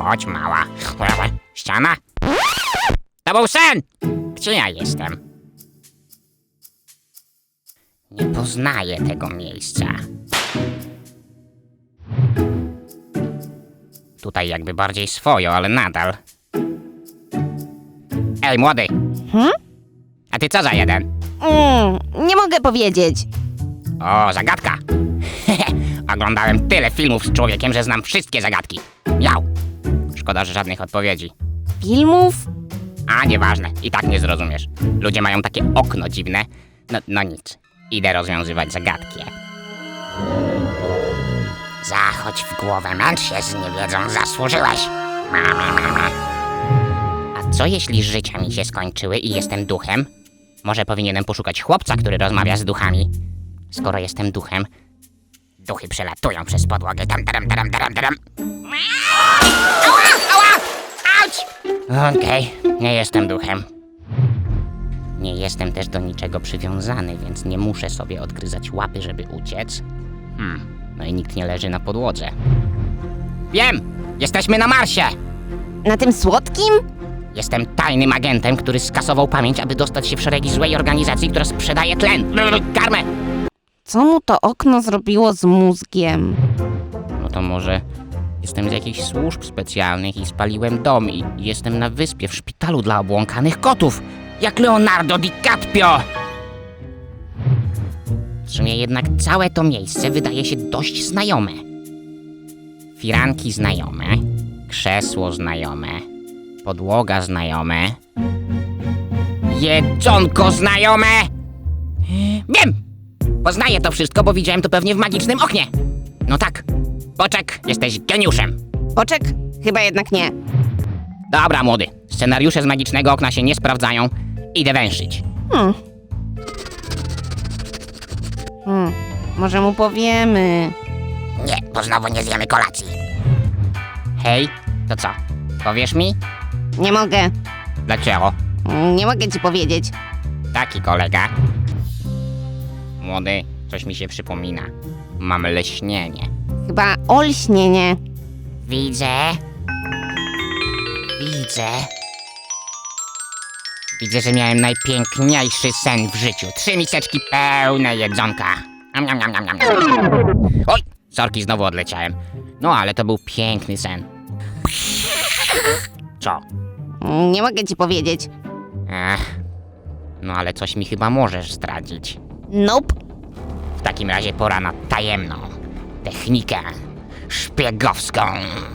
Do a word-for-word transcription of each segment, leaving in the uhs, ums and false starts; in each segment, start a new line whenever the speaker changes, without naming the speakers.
chodź, mała. Ściana? To był sen! Gdzie ja jestem? Nie poznaję tego miejsca. Tutaj jakby bardziej swojo, ale nadal. Ej, młody!
Hmm?
A ty co za jeden?
Mm, nie mogę powiedzieć.
O, zagadka! Oglądałem tyle filmów z człowiekiem, że znam wszystkie zagadki. Miał! Szkoda, że żadnych odpowiedzi.
Filmów?
A, nieważne, i tak nie zrozumiesz. Ludzie mają takie okno dziwne. No, no nic, idę rozwiązywać zagadki. Zachodź w głowę, męcz się z niewiedzą, zasłużyłeś. A co jeśli życia mi się skończyły i jestem duchem? Może powinienem poszukać chłopca, który rozmawia z duchami. Skoro jestem duchem, duchy przelatują przez podłogę. Tam, tam, tam, tam, tam. Ała, ała, auć! Okej, nie jestem duchem. Nie jestem też do niczego przywiązany, więc nie muszę sobie odgryzać łapy, żeby uciec. Hmm, no i nikt nie leży na podłodze. Wiem! Jesteśmy na Marsie!
Na tym słodkim?
Jestem tajnym agentem, który skasował pamięć, aby dostać się w szeregi złej organizacji, która sprzedaje tlen. Karmę!
Co mu to okno zrobiło z mózgiem?
No to może jestem z jakichś służb specjalnych i spaliłem dom i jestem na wyspie w szpitalu dla obłąkanych kotów. Jak Leonardo DiCaprio! W sumie jednak całe to miejsce wydaje się dość znajome. Firanki znajome, krzesło znajome, podłoga znajome, jedzonko znajome! Wiem! Poznaję to wszystko, bo widziałem to pewnie w magicznym oknie. No tak, Boczek, jesteś geniuszem.
Boczek? Chyba jednak nie.
Dobra, młody, scenariusze z magicznego okna się nie sprawdzają. Idę węszyć.
Hmm. Hmm. Może mu powiemy.
Nie, bo znowu nie zjemy kolacji. Hej, to co? Powiesz mi?
Nie mogę.
Dlaczego?
Nie mogę ci powiedzieć.
Taki kolega. Młody, coś mi się przypomina. Mam leśnienie.
Chyba olśnienie.
Widzę. Widzę. Widzę, że miałem najpiękniejszy sen w życiu. Trzy miseczki pełne jedzonka. Am, am, am, am, am. Oj, sorki, znowu odleciałem. No, ale to był piękny sen. Co?
Nie mogę ci powiedzieć.
Ech, no ale coś mi chyba możesz zdradzić.
Nope.
W takim razie pora na tajemną technikę szpiegowską.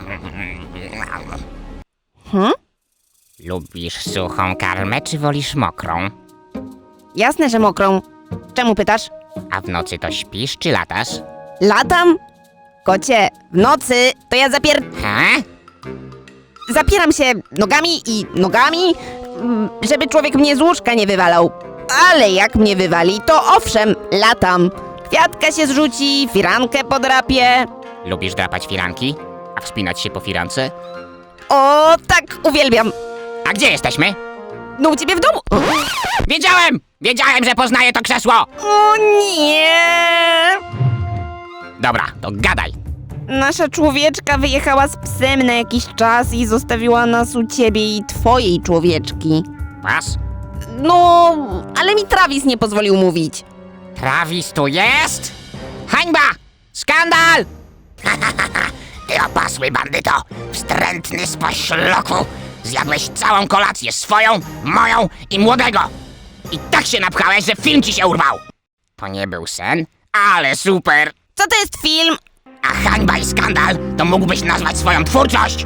Hmm?
Lubisz suchą karmę, czy wolisz mokrą?
Jasne, że mokrą. Czemu pytasz?
A w nocy to śpisz, czy latasz?
Latam? Kocie, w nocy to ja zapier...
Ha?
zapieram się nogami i nogami, mm, żeby człowiek mnie z łóżka nie wywalał. Ale jak mnie wywali, to owszem, latam. Kwiatka się zrzuci, firankę podrapię.
Lubisz drapać firanki? A wspinać się po firance?
O, tak, uwielbiam.
A gdzie jesteśmy?
No u ciebie w domu.
Wiedziałem! Wiedziałem, że poznaję to krzesło!
O nie!
Dobra, to gadaj.
Nasza człowieczka wyjechała z psem na jakiś czas i zostawiła nas u ciebie i twojej człowieczki.
Was?
No, ale mi Travis nie pozwolił mówić.
Travis tu jest? Hańba! Skandal! Ty opasły bandyto! Wstrętny spośloku! Zjadłeś całą kolację, swoją, moją i młodego! I tak się napchałeś, że film ci się urwał! To nie był sen? Ale super!
Co to jest film?
A hańba i skandal to mógłbyś nazwać swoją twórczość!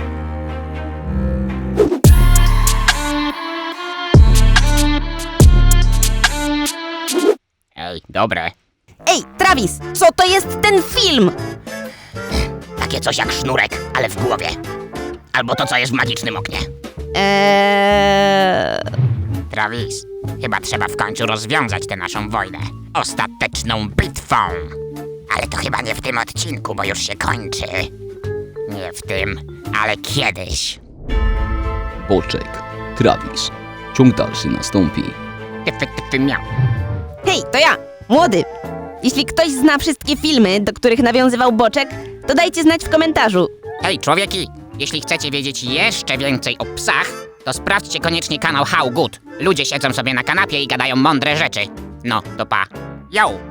Ej, dobre.
Ej, Travis, co to jest ten film?
Takie coś jak sznurek, ale w głowie. Albo to, co jest w magicznym oknie.
Eee...
Travis, chyba trzeba w końcu rozwiązać tę naszą wojnę. Ostateczną bitwą. Ale to chyba nie w tym odcinku, bo już się kończy. Nie w tym, ale kiedyś.
Boczek, Travis. Ciąg dalszy nastąpi.
Ty, ty, ty, ty miał.
Hej, to ja, młody. Jeśli ktoś zna wszystkie filmy, do których nawiązywał Boczek, to dajcie znać w komentarzu.
Hej, człowieki, Jeśli chcecie wiedzieć jeszcze więcej o psach, to sprawdźcie koniecznie kanał How Good. Ludzie siedzą sobie na kanapie i gadają mądre rzeczy. No, to pa. Yo!